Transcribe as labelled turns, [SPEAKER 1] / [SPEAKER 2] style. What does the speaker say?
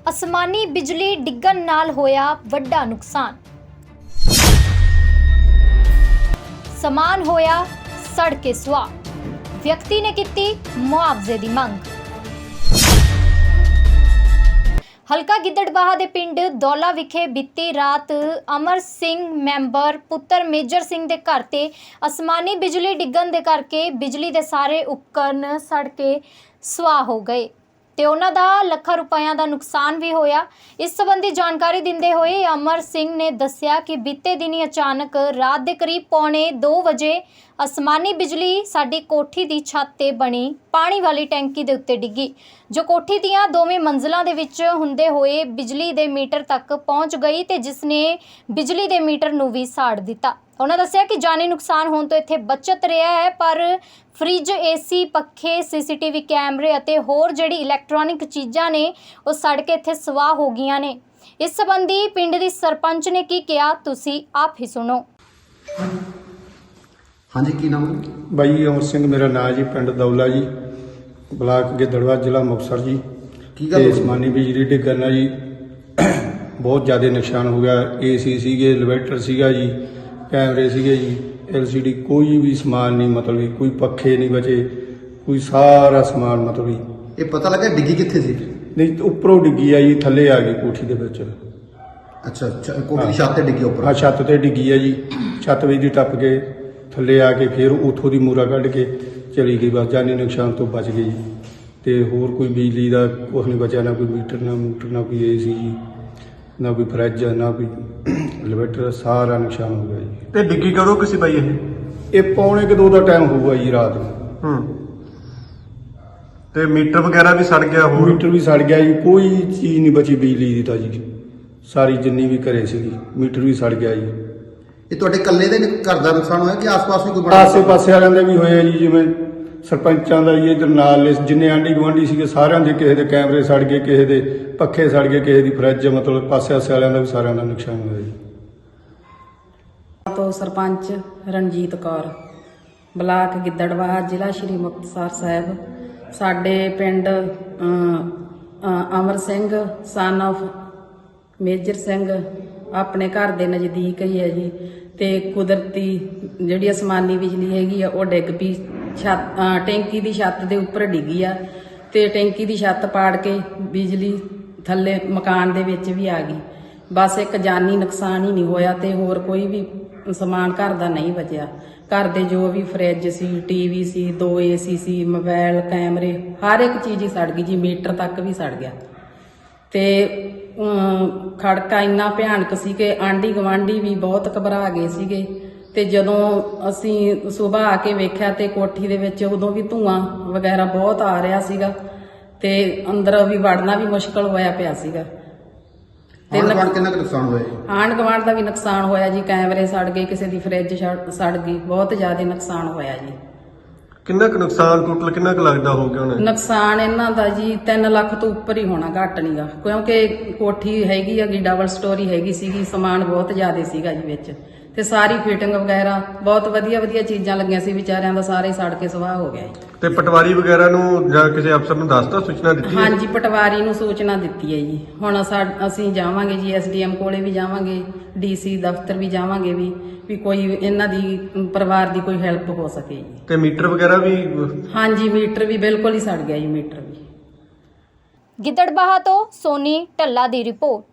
[SPEAKER 1] ਅਸਮਾਨੀ ਬਿਜਲੀ ਡਿੱਗਣ ਨਾਲ ਹੋਇਆ ਵੱਡਾ ਨੁਕਸਾਨ। ਸਮਾਨ ਹੋਇਆ ਸੜ ਕੇ ਸੁਆਹ। ਵਿਅਕਤੀ ਨੇ ਕੀਤੀ ਮੁਆਵਜ਼ੇ ਦੀ ਮੰਗ। ਹਲਕਾ ਗਿੱਦੜਬਾਹਾ ਦੇ ਪਿੰਡ ਦੌਲਾ ਵਿਖੇ ਬੀਤੀ ਰਾਤ ਅਮਰ ਸਿੰਘ ਮੈਂਬਰ ਪੁੱਤਰ ਮੇਜਰ ਸਿੰਘ ਦੇ ਘਰ ਤੇ ਅਸਮਾਨੀ ਬਿਜਲੀ ਡਿੱਗਣ ਦੇ ਕਰਕੇ ਬਿਜਲੀ ਦੇ ਸਾਰੇ ਉਪਕਰਨ ਸੜ ਕੇ ਸੁਆਹ ਹੋ ਗਏ ਤੇ ਉਹਨਾਂ ਦਾ ਲੱਖਾਂ ਰੁਪਇਆਂ ਦਾ ਨੁਕਸਾਨ ਵੀ ਹੋਇਆ। ਇਸ ਸੰਬੰਧੀ ਜਾਣਕਾਰੀ ਦਿੰਦੇ ਹੋਏ ਅਮਰ ਸਿੰਘ ਨੇ ਦੱਸਿਆ ਕਿ ਬੀਤੇ ਦਿਨੀ ਅਚਾਨਕ ਰਾਤ ਦੇ ਕਰੀਬ 1:45 ਵਜੇ ਅਸਮਾਨੀ ਬਿਜਲੀ ਸਾਡੀ ਕੋਠੀ ਦੀ ਛੱਤ ਤੇ ਬਣੀ ਪਾਣੀ ਵਾਲੀ ਟੈਂਕੀ ਦੇ ਉੱਤੇ ਡਿੱਗੀ, ਜੋ ਕੋਠੀ ਦੀਆਂ ਦੋਵੇਂ ਮੰਜ਼ਲਾਂ ਦੇ ਵਿੱਚ ਹੁੰਦੇ ਹੋਏ ਬਿਜਲੀ ਦੇ ਮੀਟਰ ਤੱਕ ਪਹੁੰਚ ਗਈ ਤੇ ਜਿਸ ਨੇ ਬਿਜਲੀ ਦੇ ਮੀਟਰ ਨੂੰ ਵੀ ਸਾੜ ਦਿੱਤਾ। ਉਹਨਾਂ ਦੱਸਿਆ ਕਿ ਜਾਨੀ ਨੁਕਸਾਨ ਹੋਣ ਤੋਂ ਇੱਥੇ ਬਚਤ ਰਿਹਾ ਹੈ, ਪਰ ਫ੍ਰਿਜ, ਏਸੀ, ਪੱਖੇ, ਸੀਸੀਟੀਵੀ ਕੈਮਰੇ ਅਤੇ ਹੋਰ ਜਿਹੜੀ ਇਲੈਕਟ੍ਰੋਨਿਕ ਚੀਜ਼ਾਂ ਨੇ ਉਹ ਸੜ ਕੇ ਇੱਥੇ ਸਵਾਹ ਹੋ ਗਈਆਂ ਨੇ। ਇਸ ਸੰਬੰਧੀ ਪਿੰਡ ਦੀ ਸਰਪੰਚ ਨੇ ਕੀ ਕਿਹਾ, ਤੁਸੀਂ ਆਪ ਹੀ ਸੁਣੋ।
[SPEAKER 2] ਹਾਂਜੀ, ਕੀ ਨਾਮ ਹੈ?
[SPEAKER 3] ਬਾਈ ਅਮਰ ਸਿੰਘ ਮੇਰਾ ਨਾਂ ਜੀ, ਪਿੰਡ ਦੌਲਾ ਜੀ, ਬਲਾਕ ਗਿੱਦੜਬਾਹਾ, ਜ਼ਿਲ੍ਹਾ ਮੁਕਤਸਰ ਜੀ।
[SPEAKER 2] ਕੀ ਗੱਲ ਹੋਈ?
[SPEAKER 3] ਅਸਮਾਨੀ ਬਿਜਲੀ ਡਿੱਗਣ ਨਾਲ ਜੀ ਬਹੁਤ ਜ਼ਿਆਦਾ ਨੁਕਸਾਨ ਹੋ ਗਿਆ। ਏਸੀ ਸੀਗੇ, ਇਨਵਰਟਰ ਸੀਗਾ ਜੀ, ਕੈਮਰੇ ਸੀਗੇ ਜੀ, LCD, ਕੋਈ ਵੀ ਸਮਾਨ ਨਹੀਂ, ਮਤਲਬ ਕੋਈ ਪੱਖੇ ਨਹੀਂ ਬਚੇ, ਕੋਈ ਸਾਰਾ ਸਮਾਨ ਮਤਲਬ
[SPEAKER 2] ਇਹ ਪਤਾ ਲੱਗਾ ਡਿੱਗੀ ਕਿੱਥੇ ਸੀ?
[SPEAKER 3] ਨਹੀਂ, ਉੱਪਰੋਂ ਡਿੱਗੀ ਆ ਜੀ, ਥੱਲੇ ਆ ਗਈ ਕੋਠੀ ਦੇ ਵਿੱਚ।
[SPEAKER 2] ਅੱਛਾ, ਕੋਠੀ ਦੀ ਛੱਤ ਤੇ ਡਿੱਗੀ ਉੱਪਰ?
[SPEAKER 3] ਹਾਂ, ਛੱਤ ਤੇ ਡਿੱਗੀ ਆ ਜੀ। ਛੱਤ ਵਿੱਚ ਦੀ ਟੱਪ ਕੇ ਥੱਲੇ ਆ ਕੇ ਫਿਰ ਉੱਥੋਂ ਦੀ ਮੂਰਾ ਕੱਢ ਕੇ ਚਲੀ ਗਈ। ਬਸ ਜਾਨੀ ਨੁਕਸਾਨ ਤੋਂ ਬਚ ਗਈ ਜੀ। ਤੇ ਹੋਰ ਕੋਈ ਬਿਜਲੀ ਦਾ ਕੁਛ ਨਹੀਂ ਬਚਿਆ, ਨਾ ਕੋਈ ਮੀਟਰ, ਨਾ ਕੋਈ ਏਸੀ ਜੀ, ਨਾ ਕੋਈ ਫਰਿੱਜ, ਨਾ ਕੋਈ ਇਨਵਰਟਰ, ਸਾਰਾ ਨੁਕਸਾਨ ਹੋ ਗਿਆ ਜੀ।
[SPEAKER 4] ਤੇ ਡਿੱਗੀ ਕਦੋਂ ਕਿਸੇ ਬਾਈ
[SPEAKER 3] ਇਹ 1:45 ਦਾ ਟਾਈਮ ਹੋਊਗਾ ਜੀ ਰਾਤ ਨੂੰ।
[SPEAKER 4] ਤੇ ਮੀਟਰ ਵਗੈਰਾ ਵੀ ਸੜ ਗਿਆ? ਹੋਰ
[SPEAKER 3] ਮੀਟਰ ਵੀ ਸੜ ਗਿਆ ਜੀ, ਕੋਈ ਚੀਜ਼ ਨਹੀਂ ਬਚੀ ਬਿਜਲੀ ਦੀ ਤਾਂ ਜੀ। ਸਾਰੀ ਜਿੰਨੀ ਵੀ ਘਰੇ ਸੀਗੀ, ਮੀਟਰ ਵੀ ਸੜ ਗਿਆ ਜੀ।
[SPEAKER 2] ਇਹ ਤੁਹਾਡੇ ਇਕੱਲੇ ਦੇ ਘਰ ਦਾ ਨੁਕਸਾਨ ਹੋਇਆ ਕਿ ਆਸ-ਪਾਸ ਵੀ ਕੋਈ ਬੜਾ?
[SPEAKER 3] ਆਸੇ-ਪਾਸੇ ਵਾਲਿਆਂ ਦੇ ਵੀ ਹੋਏ ਜੀ, ਜਿਵੇਂ ਸਰਪੰਚਾਂ ਦਾ ਜੀ, ਇਧਰ ਨਾਲ ਜਿੰਨੇ ਆਂਢੀ ਗੁਆਂਢੀ ਸੀਗੇ ਸਾਰਿਆਂ ਦੇ, ਕਿਸੇ ਦੇ ਕੈਮਰੇ ਸੜ ਗਏ, ਕਿਸੇ ਦੇ ਪੱਖੇ ਸੜ ਗਏ, ਕਿਸੇ ਦੀ ਫਰਿੱਜ, ਮਤਲਬ ਪਾਸੇ-ਆਸੇ ਵਾਲਿਆਂ ਦਾ ਵੀ ਸਾਰਿਆਂ ਦਾ ਨੁਕਸਾਨ ਹੋਇਆ ਜੀ।
[SPEAKER 5] ਤੋਂ ਸਰਪੰਚ ਰਣਜੀਤ ਕੌਰ, ਬਲਾਕ ਗਿੱਦੜਬਾਹਾ, ਜ਼ਿਲ੍ਹਾ ਸ਼੍ਰੀ ਮੁਕਤਸਰ ਸਾਹਿਬ। ਸਾਡੇ ਪਿੰਡ ਅਮਰ ਸਿੰਘ ਸਨ ਆਫ ਮੇਜਰ ਸਿੰਘ ਆਪਣੇ ਘਰ ਦੇ ਨਜ਼ਦੀਕ ਹੀ ਹੈ ਜੀ। ਤੇ ਕੁਦਰਤੀ ਜਿਹੜੀ ਅਸਮਾਨੀ ਬਿਜਲੀ ਹੈਗੀ ਆ ਉਹ ਡਿੱਗ ਪਈ, ਟੈਂਕੀ ਦੀ ਛੱਤ ਦੇ ਉੱਪਰ ਡਿੱਗੀ ਆ ਤੇ ਟੈਂਕੀ ਦੀ ਛੱਤ ਪਾੜ ਕੇ ਬਿਜਲੀ ਥੱਲੇ ਮਕਾਨ ਦੇ ਵਿੱਚ ਵੀ ਆ ਗਈ। ਬਸ ਇੱਕ ਜਾਨੀ ਨੁਕਸਾਨ ਹੀ ਨਹੀਂ ਹੋਇਆ ਤੇ ਹੋਰ ਕੋਈ ਵੀ ਸਮਾਨ ਘਰ ਦਾ ਨਹੀਂ ਬਚਿਆ। ਘਰ ਦੇ ਜੋ ਵੀ ਫਰਿੱਜ ਸੀ, TV ਸੀ, 2 AC ਸੀ, ਮੋਬਾਈਲ, ਕੈਮਰੇ, ਹਰ ਇੱਕ ਚੀਜ਼ ਹੀ ਸੜ ਗਈ ਜੀ। ਮੀਟਰ ਤੱਕ ਵੀ ਸੜ ਗਿਆ ਤੇ ਖੜਕਾ ਇੰਨਾ ਭਿਆਨਕ ਸੀ ਕਿ ਆਂਢੀ ਗਵਾਂਢੀ ਵੀ ਬਹੁਤ ਘਬਰਾ ਗਏ ਸੀਗੇ। ਤੇ ਜਦੋਂ ਅਸੀਂ ਸਵੇਰ ਆ ਕੇ ਵੇਖਿਆ ਤੇ ਕੋਠੀ ਦੇ ਵਿੱਚ ਉਦੋਂ ਵੀ ਧੂਆਂ ਵਗੈਰਾ ਬਹੁਤ ਆ ਰਿਹਾ ਸੀਗਾ ਤੇ ਅੰਦਰ ਵੀ ਵੜਨਾ ਵੀ ਮੁਸ਼ਕਲ ਹੋਇਆ ਪਿਆ ਸੀਗਾ।
[SPEAKER 2] ਕਿੰਨਾ ਕੁ ਨੁਕਸਾਨ ਹੋਇਆ ਜੀ?
[SPEAKER 5] ਆਂਢ ਗੁਆਂਢ ਦਾ ਵੀ ਨੁਕਸਾਨ ਹੋਇਆ ਜੀ। ਕੈਮਰੇ ਸੜ ਗਏ, ਕਿਸੇ ਦੀ ਫਰਿੱਜ ਸੜ ਗਈ, ਬਹੁਤ ਜ਼ਿਆਦਾ ਨੁਕਸਾਨ ਹੋਇਆ ਜੀ।
[SPEAKER 4] ਕਿੰਨਾ ਕੁ ਨੁਕਸਾਨ ਟੋਟਲ ਕਿੰਨਾ ਕੁ ਲੱਗਦਾ ਹੋ ਗਿਆ ਉਹਨੇ?
[SPEAKER 5] ਨੁਕਸਾਨ ਇਹਨਾਂ ਦਾ ਜੀ 3 ਲੱਖ ਤੋਂ ਉੱਪਰ ਹੀ ਹੋਣਾ, ਘੱਟ ਨਹੀਂਗਾ, ਕਿਉਂਕਿ ਕੋਠੀ ਹੈਗੀ ਹੈਗੀ ਡਬਲ ਸਟੋਰੀ ਹੈਗੀ ਸੀਗੀ, ਸਮਾਨ ਬਹੁਤ ਜ਼ਿਆਦਾ ਸੀਗਾ ਜੀ ਵਿੱਚ ਤੇ ਸਾਰੀ ਫਿਟਿੰਗ ਵਗੈਰਾ ਬਹੁਤ ਵਧੀਆ ਚੀਜ਼ਾਂ ਲੱਗੀਆਂ ਸੀ। ਵਿਚਾਰਿਆਂ ਦਾ ਸਾਰੇ ਸੜ ਕੇ ਸਵਾਹ ਹੋ ਗਿਆ ਜੀ।
[SPEAKER 4] ਤੇ ਪਟਵਾਰੀ ਵਗੈਰਾ ਨੂੰ ਜਾਂ ਕਿਸੇ ਅਫਸਰ ਨੂੰ ਦੱਸਤਾ, ਸੂਚਨਾ ਦਿੱਤੀ?
[SPEAKER 5] ਹਾਂਜੀ, ਪਟਵਾਰੀ ਨੂੰ ਸੂਚਨਾ ਦਿੱਤੀ ਹੈ ਜੀ। ਹੁਣ ਅਸੀਂ ਜਾਵਾਂਗੇ ਜੀ, SDM ਕੋਲੇ ਵੀ ਜਾਵਾਂਗੇ, DC ਦਫ਼ਤਰ ਵੀ ਜਾਵਾਂਗੇ ਵੀ ਕੋਈ ਇਹਨਾਂ ਦੀ ਪਰਿਵਾਰ ਦੀ ਕੋਈ ਹੈਲਪ ਹੋ ਸਕੇ ਜੀ।
[SPEAKER 4] ਤੇ ਮੀਟਰ ਵਗੈਰਾ ਵੀ?
[SPEAKER 5] ਹਾਂਜੀ, ਮੀਟਰ ਵੀ ਬਿਲਕੁਲ ਹੀ ਸੜ ਗਿਆ ਜੀ। ਮੀਟਰ ਵੀ।
[SPEAKER 1] ਗਿੱਦੜਬਾਹਾ ਤੋਂ ਸੋਨੀ ਢੱਲਾ ਦੀ ਰਿਪੋਰਟ।